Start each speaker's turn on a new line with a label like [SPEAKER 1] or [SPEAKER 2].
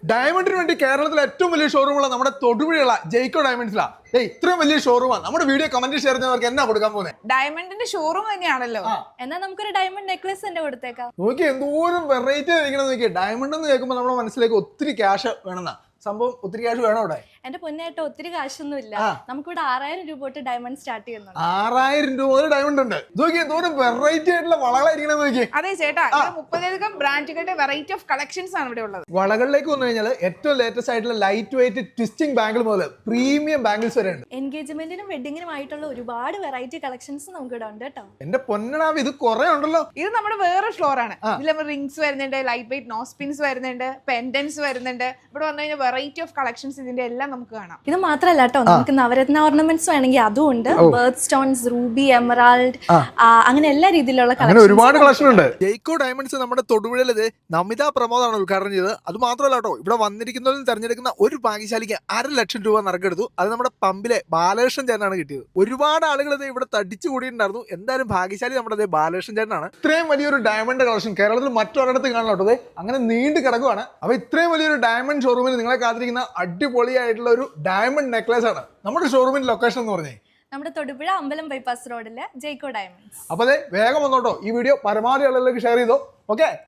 [SPEAKER 1] ഡയമണ്ടിന് വേണ്ടി കേരളത്തിലെ ഏറ്റവും വലിയ ഷോറൂമുള്ള നമ്മുടെ തൊടുപുഴയുള്ള ജയ്ക്കോ ഡയമണ്ട്സിലാ. ഇത്രയും വലിയ ഷോറൂമാണ്. നമ്മുടെ വീഡിയോ കമന്റ് ഷെയർ ചെയ്യുന്നവർക്ക് എന്നാ കൊടുക്കാൻ പോകുന്നത്?
[SPEAKER 2] ഡയമണ്ടിന്റെ ഷോറൂം തന്നെയാണല്ലോ.
[SPEAKER 3] എന്നാ നമുക്കൊരു ഡയമണ്ട് നെക്ലസ് തന്നെ കൊടുത്തേക്കാം.
[SPEAKER 1] നോക്കി എന്തോരം വെറൈറ്റി ആയിരിക്കണം. നോക്കി ഡയമണ്ട് എന്ന് കേൾക്കുമ്പോൾ നമ്മുടെ മനസ്സിലേക്ക് ഒത്തിരി ക്യാഷ് വേണമെന്നാ. സംഭവം ഒത്തിരി ക്യാഷ് വേണം അവിടെ.
[SPEAKER 3] എന്റെ പൊന്നായിട്ട് ഒത്തിരി കാശൊന്നും ഇല്ല. നമുക്കിവിടെ 6000 രൂപ തൊട്ട് ഡയമണ്ട് സ്റ്റാർട്ട് ചെയ്യുന്നുണ്ട്.
[SPEAKER 1] 6000 രൂപ മുതൽ ഡയമണ്ട് ഉണ്ട്. നോക്കി എന്തോരം വെറൈറ്റി ആയിട്ടുള്ള വളകളായിരിക്കണം. നോക്കി.
[SPEAKER 2] അതെ ചേട്ടാ, 30 ബ്രാൻഡുകളുടെ വെറൈറ്റി ഓഫ് കളക്ഷൻസ് ആണ് ഇവിടെ ഉള്ളത്.
[SPEAKER 1] വളകളിലേക്ക് വന്നു കഴിഞ്ഞാൽ ഏറ്റവും ലേറ്റസ്റ്റ് ആയിട്ടുള്ള ലൈറ്റ് വെയിറ്റ് ട്വിസ്റ്റിംഗ് ബാംഗിൾ മുതൽ പ്രീമിയം ബാംഗിൾസ് വരെ ഉണ്ട്.
[SPEAKER 3] എൻഗേജ്മെന്റിനും വെഡിങ്ങിനും ആയിട്ടുള്ള ഒരുപാട് വെറൈറ്റി കളക്ഷൻസ് നമുക്ക് ഇവിടെ ഉണ്ട് കേട്ടോ.
[SPEAKER 1] എന്റെ പൊന്നടാവ്, ഇത് കുറെ ഉണ്ടല്ലോ.
[SPEAKER 2] ഇത് നമ്മുടെ വേറെ ഫ്ലോർ ആണ്. ഇതിൽ റിംഗ്സ് വരുന്നുണ്ട്, ലൈറ്റ് വെയിറ്റ് നോസ്പിൻസ് വരുന്നുണ്ട്, പെൻഡൻസ് വരുന്നുണ്ട്. ഇവിടെ വന്നു കഴിഞ്ഞാൽ വെറൈറ്റി ഓഫ് കളക്ഷൻസ് ഇതിന്റെ എല്ലാം നമുക്ക് കാണാം.
[SPEAKER 3] ഇത് മാത്രല്ല കേട്ടോ, നമുക്ക് നവരത്ന ഓർണമെന്റ്സ് വേണമെങ്കിൽ അതും ഉണ്ട്. ബേർത്ത് സ്റ്റോൺസ്, റൂബി, എമറാൾഡ്, അങ്ങനെ എല്ലാ രീതിയിലുള്ള
[SPEAKER 1] ഒരുപാട് കളക്ഷൻ ഉണ്ട്. ജയ്ക്കോ ഡയമണ്ട്സ് നമ്മുടെ തൊടുപുഴയിലത് നമിത പ്രമോദാണ് ഉദ്ഘാടനം ചെയ്തത്. അത് മാത്രമല്ല കേട്ടോ, ഇവിടെ വന്നിരിക്കുന്നതിൽ തെരഞ്ഞെടുക്കുന്ന ഒരു ഭാഗ്യശാലിക്ക് 1.5 ലക്ഷം രൂപ നറുക്കെടുത്തു. അത് നമ്മുടെ പമ്പിലെ ബാലകൃഷ്ണൻ ചേട്ടനാണ് കിട്ടിയത്. ഒരുപാട് ആളുകൾ ഇവിടെ തടിച്ചു കൂടിയിട്ടുണ്ടായിരുന്നു. എന്തായാലും ഭാഗ്യശാലി നമ്മുടെ ബാലകൃഷ്ണൻ ചേട്ടനാണ്. ഇത്രയും വലിയൊരു ഡയമണ്ട് കളക്ഷൻ കേരളത്തിൽ മറ്റൊരിടത്ത് കാണാൻ അങ്ങനെ നീണ്ടു കിടക്കുവാണ്. അപ്പൊ ഇത്രയും വലിയൊരു ഡയമണ്ട് ഷോറൂമിൽ നിങ്ങളെ കാത്തിരിക്കുന്ന അടിപൊളിയായിട്ടുള്ള ഒരു ഡയമണ്ട് നെക്ലേസ് ആണ്. നമ്മുടെ ഷോറൂമിന്റെ ലൊക്കേഷൻ എന്ന് പറഞ്ഞേ
[SPEAKER 3] നമ്മുടെ തൊടുപുഴ അമ്പലം ബൈപ്പാസ് റോഡിലെ ജയ്ക്കോ ഡയമണ്ട്സ്.
[SPEAKER 1] അപ്പൊ വേഗം വന്നോട്ടോ. ഈ വീഡിയോ പരമാവധി ആളുകളിലേക്ക് ഷെയർ ചെയ്തോ. ഓക്കെ.